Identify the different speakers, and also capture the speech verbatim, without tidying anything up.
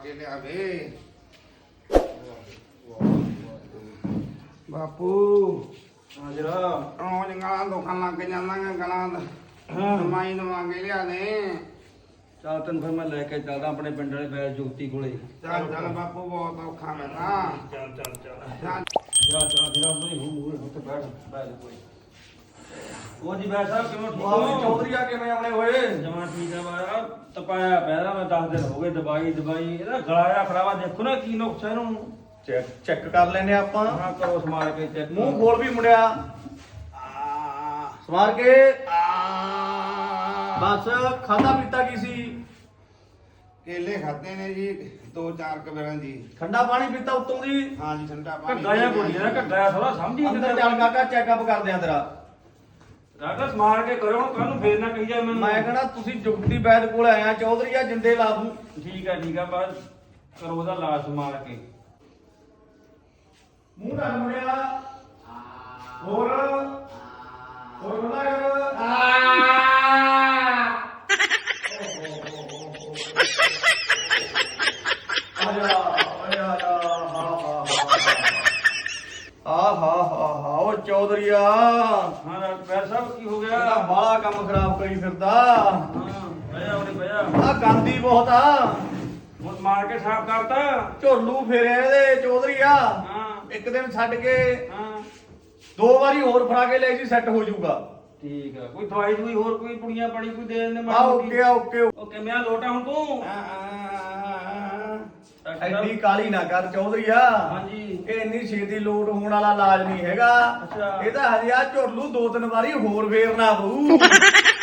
Speaker 1: ਕੇ ਲਿਆਵੇ ਬਾਪੂ
Speaker 2: ਹਾਜ਼ਰਾ
Speaker 1: ਰੋਜ਼ ਗਲਾਂ ਦੁਖਣ ਲੱਗ ਜਾਂਦੀਆਂ ਗਲਾਂ ਦਾ
Speaker 2: ਹਾਂ
Speaker 1: ਦਵਾਈ ਦਵਾ ਕੇ ਲਿਆ ਦੇ
Speaker 2: ਚੱਲ ਤੈਨੂੰ ਫਿਰ ਮੈਂ ਲੈ ਕੇ ਚੱਲਦਾ ਆਪਣੇ ਪਿੰਡ ਵਾਲੇ ਬੈਲ ਜੋਤੀ ਕੋਲੇ
Speaker 1: ਚੱਲ ਚੱਲ ਬਾਪੂ ਬਹੁਤ ਔਖਾ ਮੈਂ ਤਾਂ
Speaker 2: ਚੱਲ ਚੱਲ ਚੱਲ
Speaker 1: ਚੱਲ
Speaker 2: ਚੱਲ ਚੱਲ ਜਿਹੜਾ ਉਹਦੇ ਮੂੰਹ ਮੂੰਹ ਉੱਤੇ ਬੈਠ ਬੈਠ ਕੋਈ ਉਹ ਜੀ ਬੈਠ ਸਾਹਿਬ ਕਿਵੇਂ ਠੀਕ
Speaker 3: ਬਾਬੂ
Speaker 2: ਹੋ
Speaker 3: ਚੌਧਰੀ ਆ ਕਿਵੇਂ ਆਉਣੇ ਹੋਏ?
Speaker 2: ਜਮਾ ਠੀਕ ਆ ਬਾਰਾ ਤਪਾਇਆ ਪਹਿਲਾਂ ਮੈਂ ਦਸ ਦਿਨ ਹੋ ਗਏ ਦਵਾਈ ਦਵਾਈ ਇਹਦਾ ਗਲਾ ਜਿਹਾ ਖਰਾਬਾ ਦੇਖੋ ਨਾ ਕੀ ਨੁਕਸਾ ਇਹਨੂੰ
Speaker 3: ਚੈੱਕ ਚੈੱਕ ਕਰ ਲੈਨੇ ਆਪਾਂ।
Speaker 2: ਹਾਂ ਕਰੋ ਸਮਾਰ ਕੇ ਚੈੱਕ
Speaker 3: ਮੂੰਹ ਖੋਲ ਵੀ ਮੁੰਡਿਆ,
Speaker 1: ਆ
Speaker 3: ਸਮਾਰ ਕੇ।
Speaker 1: ਆ
Speaker 3: ਬਸ ਖਾਦਾ ਪੀਤਾ ਕੀ ਸੀ?
Speaker 1: ਕੇਲੇ ਖਾਦੇ ਨੇ ਜੀ ਦੋ ਚਾਰ ਕਬਰਾਂ ਜੀ
Speaker 3: ਠੰਡਾ ਪਾਣੀ ਪੀਤਾ ਉੱਤੋਂ ਦੀ?
Speaker 1: ਹਾਂ ਜੀ ਠੰਡਾ ਪਾਣੀ
Speaker 2: ਘੱਗਾ ਜਿਹਾ ਬੋਲੀ ਨਾ ਘੱਗਾ ਥੋੜਾ ਸਮਝੀ
Speaker 3: ਅੰਦਰ ਚੱਲ ਕਾਕਾ ਚੈੱਕਅਪ ਕਰਦੇ ਆ ਤੇਰਾ।
Speaker 2: ਰਾਗਾ ਸਮਾਰ ਕੇ ਕਰੋ ਹੁਣ ਕੱਲ ਨੂੰ ਫੇਰ ਨਾ ਕਹੀ ਜਾ ਮੈਨੂੰ
Speaker 3: ਮੈਂ ਕਹਣਾ ਤੁਸੀਂ ਜੁਗਤੀ ਵੈਦ ਕੋਲ ਆਇਆ, ਚੌਧਰੀ ਆ ਜਿੰਦੇ ਲਾ ਦੂੰ।
Speaker 2: ਠੀਕ ਆ ਠੀਕ ਆ ਬਸ ਕਰੋ ਉਹਦਾ ਲਾਸ਼ ਸਮਾਰ ਕੇ
Speaker 3: ਮੂੰਹ ਨਾਲ ਮੁੰਡਿਆ, ਹੋਰ ਹੋਰ ਬਣਾ ਕਰ। ਆ ਜਾ ਓਏ ਆ ਜਾ। ਆ ਹਾ ਹਾ ਹਾ ਉਹ ਚੌਧਰੀਆ
Speaker 2: ਹਾਂ ਡਾਕਟਰ ਸਾਹਿਬ ਕੀ ਹੋ ਗਿਆ
Speaker 3: ਇਹਦਾ ਬਾਲਾ ਕੰਮ ਖਰਾਬ ਕਰੀ ਫਿਰਦਾ।
Speaker 2: ਹਾਂ ਭਈਆ ਉਹਨੇ ਭਈਆ
Speaker 3: ਆ ਗੰਦੀ ਬਹੁਤ ਆ,
Speaker 2: ਹੁਣ ਮਾਰ ਕੇ ਸਾਫ਼ ਕਰਤਾ
Speaker 3: ਝੋਲੂ ਫੇਰਿਆ ਇਹਦੇ ਚੌਧਰੀਆ।
Speaker 2: ਹਾਂ
Speaker 3: ਇੱਕ ਦਿਨ ਛੱਡ ਕੇ
Speaker 2: ਹਾਂ
Speaker 3: ਦੋ ਵਾਰੀ ਹੋਰ ਫਰਾ ਕੇ ਲੈ ਜੀ, ਸੈੱਟ ਹੋ ਜਾਊਗਾ।
Speaker 2: ਠੀਕ ਆ ਕੋਈ ਦਵਾਈ ਦੂਈ ਹੋਰ ਕੋਈ ਪੁੜੀਆਂ ਪਾਣੀ ਕੋਈ ਦੇ ਦਿੰਦੇ
Speaker 3: ਆ ਓਕੇ ਆ ਓਕੇ।
Speaker 2: ਓਕੇ ਮੈਂ ਲੋਟਾ ਹੁਣ ਤੂੰ
Speaker 3: ਐਡੀ ਕਾਲੀ ਨਾ ਕਰ ਚੌਧਰੀਆ।
Speaker 2: ਹਾਂਜੀ
Speaker 3: ਇਹ ਇੰਨੀ ਛੇਤੀ ਲੋਟ ਹੋਣ ਵਾਲਾ ਇਲਾਜ ਨਹੀਂ ਹੈਗਾ।
Speaker 2: ਅੱਛਾ।
Speaker 3: ਇਹ ਤਾਂ ਹਜੇ ਆ ਝੋਲੂ ਦੋ ਤਿੰਨ ਵਾਰੀ ਹੋਰ ਫੇਰਨਾ ਪਊ।